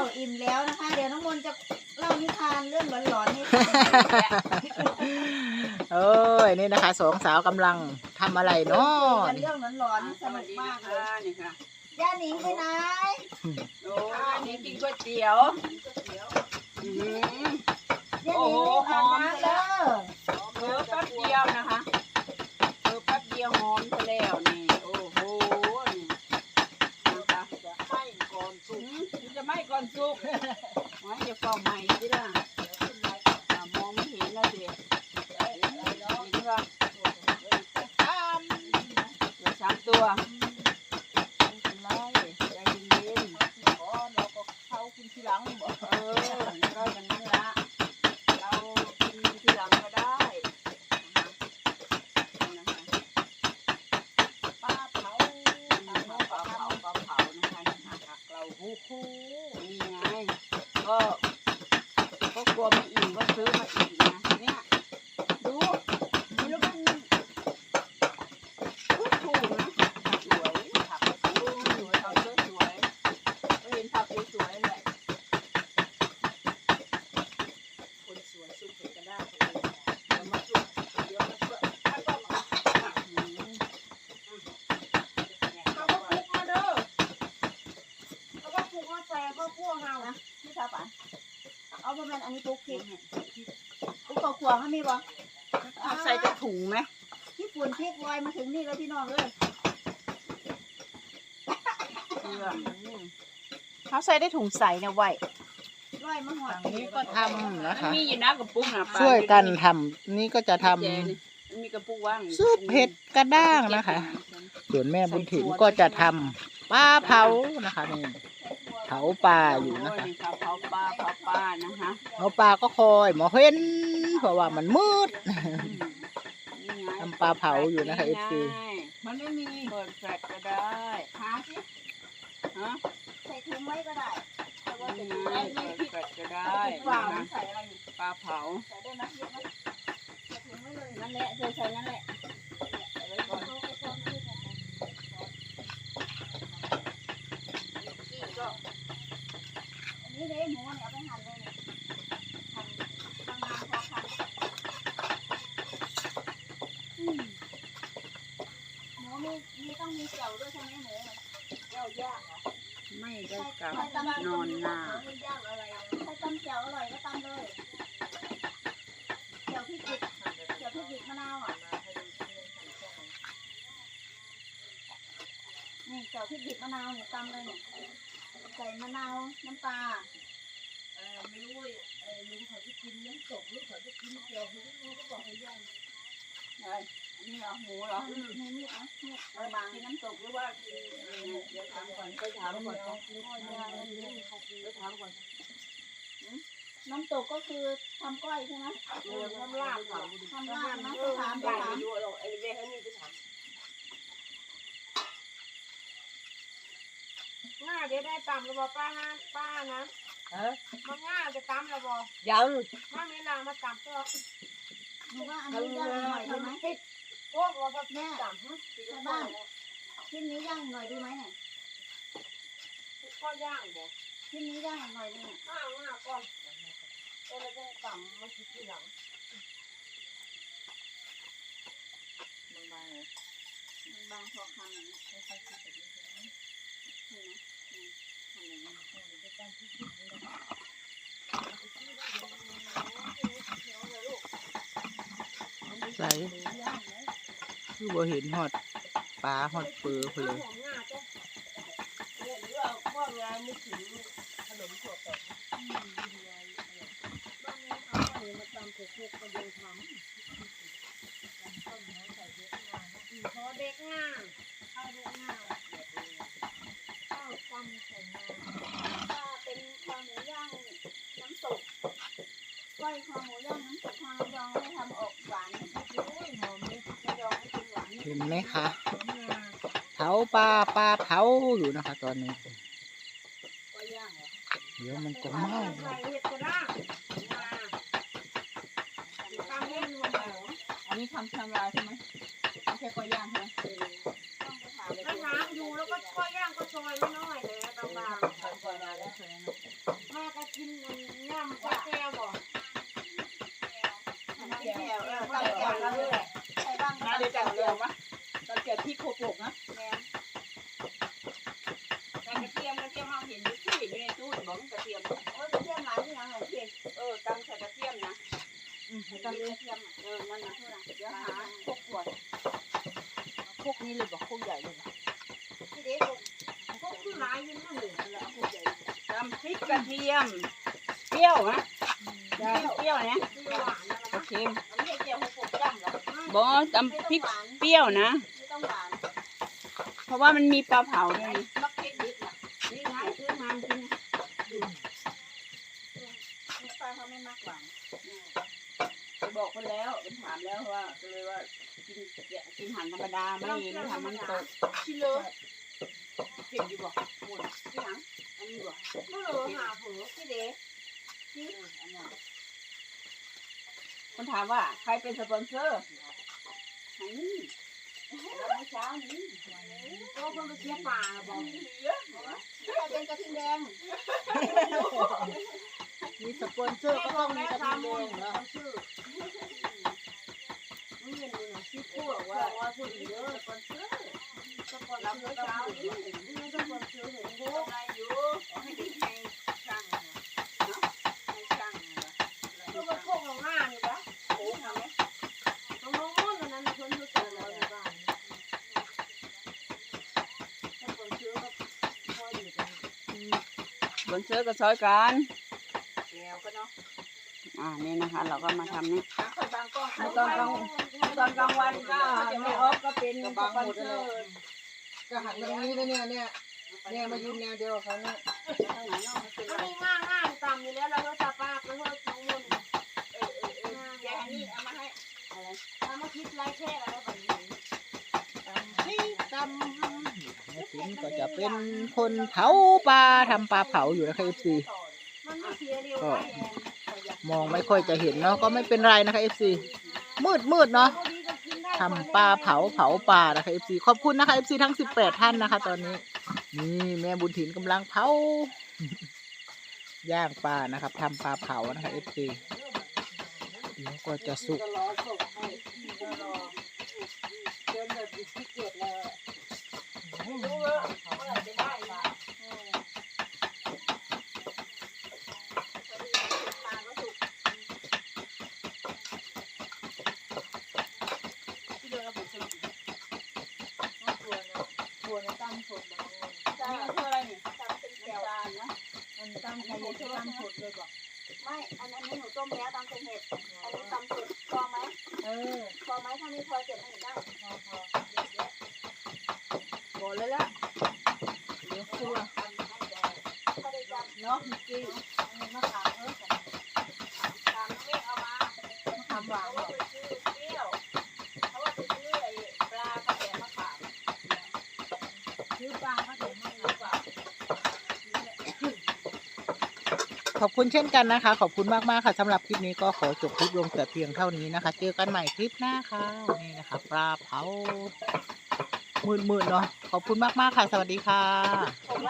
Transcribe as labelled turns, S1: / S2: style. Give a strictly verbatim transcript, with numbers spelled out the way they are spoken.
S1: อิ่มแล้วนะคะเดี๋ยวน้องมนต์จะเล่านิทานเรื่องหลอนๆให้ฟัง
S2: โอ้ยนี่นะคะสองสาวกำลังทำอะไรเนาะ
S1: คุยกันเรื่องหลอนๆนี่สนุกมากเลย
S3: นี่ค่ะ
S1: ย่าหนิงไปไหน
S3: โอ้ยนี่กินก๋วยเตี๋ยว อืม
S1: ย่าหนิงรีบอาบน้ำเด้อ
S3: เพิ่มแป๊บเดียวนะคะเพิ่มแป๊บเดียวหอมซะแล้วนี่โอ้โหนี่นะคะจะไหม้ก่อนสุกจะไหม้ก่อนสุกไว้จะเฝ้าใหม่สิล่ะมองไม่เห็นแล้วสิเห็นว่าเหลือสามตัวไม่เป็นไรใจเย็นๆอ๋อเราก็เข้ากินทีหลังบอกเออก็อย่างนั้นละเรากินทีหลังก็ได้นะคะปลาเผาปลาเผาปลาเผาปลาเผานะคะผักเราฮู้ฮู้นี่ไงก็ก็กลัวไม่อิ่มก็ซื้อมาอีกนะเนี่ยดูดูแล้วมันถูกถูกนะสวยผักสวยสวยเอาสวยสวยก็เห็นผักสวยๆแหละคนสวยสู้คนก็ได้เดี๋ยวมาสู้เดี๋ยวมาสู้ถ้าก็มาอืมเขาก็คุกมาเด้อเขาก็คุกมาใส่ก็พวกเรานะ
S1: พี่สาวป่ะเอาประมาณอันนี้ปุ๊กพริกปุ๊กกระขวางเขามีบ่
S3: เอาใส่กระถุงไหม
S1: ที่ฝุ่นพริกลอยมาถึงนี่แล้วพี่น้องเลย
S3: เกลืออืม
S4: เขาใส่ได้ถุงใสเนี่ยไว้
S1: ลอยมาหอด
S2: อันนี้ก็ทำนะ
S3: มัน
S2: คะ
S3: มีอยู่นะกระปุกนะป้า
S2: ช่วยกันทำนี่ก็จะทำ
S3: แจนี่มันมีกระปุกว่างอยู่
S2: ซุปเห็ดกระด้างนะคะ ส่วนแม่บุญถิ่นก็จะทำปลาเผานะคะนี่เผาปลาอยู่นะคะ
S3: โนี่ค่ะเผาปลาเผาปลานะคะ
S2: เผาปลาก็คอยหมอเห็นเพราะว่ามันมืด
S3: นี่ไง
S2: ทำปลาเผาอยู่นะคะ เอฟ ซี
S3: มันไม่มีเปิดแฟลชก็ได้หาสิฮะ
S1: ใส่ถุงไว้ก็ได้แต่ว่า
S3: นี่
S1: จะ
S3: ไง
S1: ได้ไม่
S3: เปิด
S1: ผิด
S3: แฟลชก็ได้
S1: เปล่า
S3: นะ
S1: ใส่อะไรอยู่
S3: ปลาเผา
S1: ใส่ได้ไหมเยอะไหมใส่ถุงไว้เลย
S3: นั่นแหละใส่ใส่นั่นแหละใส่ไว้ก่อน
S1: เขาก็ชอบพูดแบบนั้นนี่ก็อันนี้เด้หมูเนี่ยเอาไปหั่นเลยเนี่ยหั่นบางๆพอหั่นอืมหมูมีมีต้องมีเจียวด้วยใช่ไหมหมูเจียวย่างเหรอ
S3: ไม่ได้กลับ
S1: ใครตำ
S3: นอนนา
S1: ใครย่างอะไรนะใครตำเจียวอร่อยก็ตำเลยเจียวพริกดิบเจียวพริกดิบมะนาวอ่ะนี่เจียวพริกดิบมะนาวเนี่ยตำเลยเนี่ยใส่มะนาวน้ำปลา
S3: เออไม่รู้เออลุงเขาจะกินน้ำตกลุงเขาจะกินเจียวลุงเขาบอกให้ย่างไงนี่เหรอหมูเหรอ
S1: มีมีดนะมีด
S3: เออบางกินน้ำตกหรือว่ากินอะไรเนี่ยเดี๋ยวถามก่อนไปถามก่อนไปถามก่อน
S1: น้ำตกก็คือทำก้อยใช่ไหม
S3: เออทำลาบค่ะ
S1: ทำลาบนะไปถามไปถาม
S3: ดูหรอกไอ้เรื่องนี้ไปถาม
S4: ง่าเดี๋ยวได้ตำระบอป้านะป้านะ
S3: เออ
S4: มาง่าจะตำระบอ
S3: ยัง
S4: มาเวลามาตำก็
S1: หนูว่าอันนี้ย่างหน่อยดีไหม
S4: พวกเราก็
S1: แม่
S4: ตำฮะ
S1: ใช่บ้านชิ้นนี้ย่างหน่อยดีไหมเนี่ย
S4: ก็ย่างบอก
S1: ชิ้นนี้ย่างหน่อยนึง
S4: ง่าง่าก่อนก็เลยต้องตำมาคิดทีหลัง
S1: มันบางเลยมันบางพอคำอย่างนี้ค่อยๆคิดไปเรื่อยๆใช่ไหมทำอย่างนี้
S2: ใส่คือบ่เห็นฮอดปลาฮอดเปือเพนเลย
S4: หอมง่าจ้ะเนี่ยหรือว่าพวกงานนึกถึงขนมถั่วแปะบ้านนี้เขาเอามาตำเผ็ดๆก็ยังทำพอเด็กง่าข้าวเด็กง่าข้าวตำใส่ง่า
S1: ถ้าเป็นคอหมูย่างน้ำตกก้อยคอหมูย่างน้ำตกทางระยองไม่ทำออกหวาน
S4: โอ้ยหอมเลยระยองไม่กินหวานนี่
S2: เห็นไหมคะ
S4: หอมงา
S2: เผาปลาปลาเผาอยู่นะคะ ตอนนี้
S3: ก็ย่างเหรอ
S2: เดี๋ยวมันก็ไหม้
S4: ใส่เห็ดกระด้างงาตามเล่นรวมเหรอ
S3: อันนี้ทำทำลายใช่ไหมไม่ใช่ก็ย่างใช่ไหม
S1: ต้องไปถาม
S4: แล้วถามอยู่แล้วก็ก็ย่างก็ซอยไม่น้อยเลยบาง
S3: ทำก่อนมาแล้วใช่ไหม
S4: ๆกินมันย่ำปลาแก้วบ่
S1: เกี่ยวเออใส่เกี่ยวแล้วเลยใส่บ้าง
S3: นะเดี๋ยวจัดเกี่ยววะจัดเกี่ยวพริกโคโปกนะ
S1: แม่
S3: แต่กระเทียมกระเทียมเราเห็นอยู่ที่อยู่ในตู้บอกกระเทียม
S1: โอ้ยเทียมหลายที่ยังไงเทียม
S3: เออตำใส่กระเทียมนะ
S1: ตอนนี้เทียม
S3: เออนั่นนะ
S1: เดี๋ยวหา
S3: พวกขวดพวกนี้เลยบอกพวกใหญ่เลย
S1: ที่เด็ก
S4: พวกคือหลายอยู่นั่นเลย
S1: แล้วพวกใหญ่
S3: ตำพริกกระเทียมเปรี้ยวนะเปรี้ยวเนี่ย
S4: คือหวานนะ
S3: โอเค
S1: มันไม่เกี่ยวกับพวกจ้ำหรอก
S3: บอตำพริกเปรี้ยวนะ
S1: ไม่ต้องหวาน
S3: เพราะว่ามันมีปลาเผาด้วย
S1: มักเผ็ดนิดน่ะ
S3: นี่ไงซื้อมาจริง
S1: ลูกปลาเขาไม่มักหวาน
S3: ไปบอกคนแล้วเป็นถามแล้วว่าก็เลยว่ากินกินหันธรรมดาไม่ไม่ทำมันตก
S1: ชิเลอ
S3: เผ็ดอยู่บ่หมด
S1: ที่หลัง
S3: อันนี้บ่
S4: เมื่อเราหาเผือ
S1: ที่เด็ก
S3: ที่อันนั้นคนถามว่าใครเป็นสปอนเซอร์อันนี้แล้วเมื่อเช้านี้
S4: โอ้คนไปเสียป่าบอก
S1: ใครเป็นกระทิงแดง
S2: มีสปอนเซอร์ก็ต้องมีกระทิงแดงเหรอ
S4: ชื่อมึงเห็นดูนะชื่อ
S1: พูดว่าว่าพูดเยอะสปอนเซอร์สปอนเซอร์เช้านี้
S4: ไม่ต้องคนชื่อเห็นกู
S1: อะไรอยู่ให้ให้ช่างเนาะให้ช่าง
S4: ก็มาโคกลงหน้านี่ปะ
S1: โอ้ทำไหม
S4: ต้องน้องมุ่นนั้นคนเขาเจอเราในบ้านถ้าคนชื่อก็พอดีกัน
S3: สปอนเซอร์ก็ซอยกัน
S1: แก้วก็เนาะ
S3: อ่านี่นะคะ เราก็มาทำนี่
S1: คอยบางกล้อง
S3: ตอนกลางตอนกลางวันก็ไม่ออฟก็เป็นสปอนเซอร์
S2: ก็หันมาตรงนี้นะเนี่ยเนี่ยเนี่ยมายืนแนวเดียวกับเขาเนี่ย
S1: ทางไหนเนาะมันเป็น
S4: อัน
S1: ไร
S4: นี้ง่ายง่ายตามอยู่แล้วเราก็ตาป้าไปเพื่อน้องมุ่น
S1: เออเออเออแกนี่เอามาให้อะไร
S4: ทำมาคิดไรแค่อะไรแบบนี้
S2: นี่ตำแม่ติ๋มก็จะเป็นคนเผาปลาทำปลาเผาอยู่นะคะเอฟซี
S4: มันไม่เสียเร็วไรแอน
S2: มองไม่ค่อยจะเห็นเนาะก็ไม่เป็นไรนะคะเอฟซีมืดมืดเนาะทำปลาเผาเผาปลานะคะเอฟซีขอบคุณนะคะเอฟซีทั้งสิบแปดท่านนะคะ ตอนนี้นี่แม่บุญถิ่นกำลังเผา ย่างปลานะครับทำปลาเผานะคะเอฟซีเดี๋ยวก็จะสุก
S1: ก็รอส่งให้ก็รอเดินแบบขี้เกียจเลยไม่รู้ว่าเมื่อไหร่จะได้มาปลาก็สุกที่เดินเราบุกสนุกน่ากลัวนะกลัวนะตั้มสดแบบนี้ใช่คืออะไรนี่ตั้มเป็นแก้วนะมันตั้มใครจะตั้มสดเลยบอกไม่อันนั้นหนูต้มแล้วตั้มเป็นเห็ดอันนี้ตั้มสดพอไหม
S2: เออ
S1: พอไหมถ้าไม่พอเก็บให้หนูได้พอพอ
S3: บอกเลยละเดี๋ยวครัว
S1: ก็ได้จับ
S3: เนาะจริง
S1: อันนี้มะขามเออขามไม่เอามา
S3: ทำหวาน
S1: เพราะว่าไปซื้อเปรี้ยวเพราะว่าไปซื้อไอ้ปลากระแสมะขาม
S4: ซื้อปลาก็เดี๋ยวมา
S1: หรือเปล่า
S2: ขอบคุณเช่นกันนะคะ ขอบคุณมากๆค่ะสำหรับคลิปนี้ก็ขอจบคลิปลงแต่เพียงเท่านี้นะคะ เจอกันใหม่คลิปหน้าค่ะนี่นะคะปลาเผามืดๆเนาะขอบคุณมากๆค่ะ สวัสดีค่ะ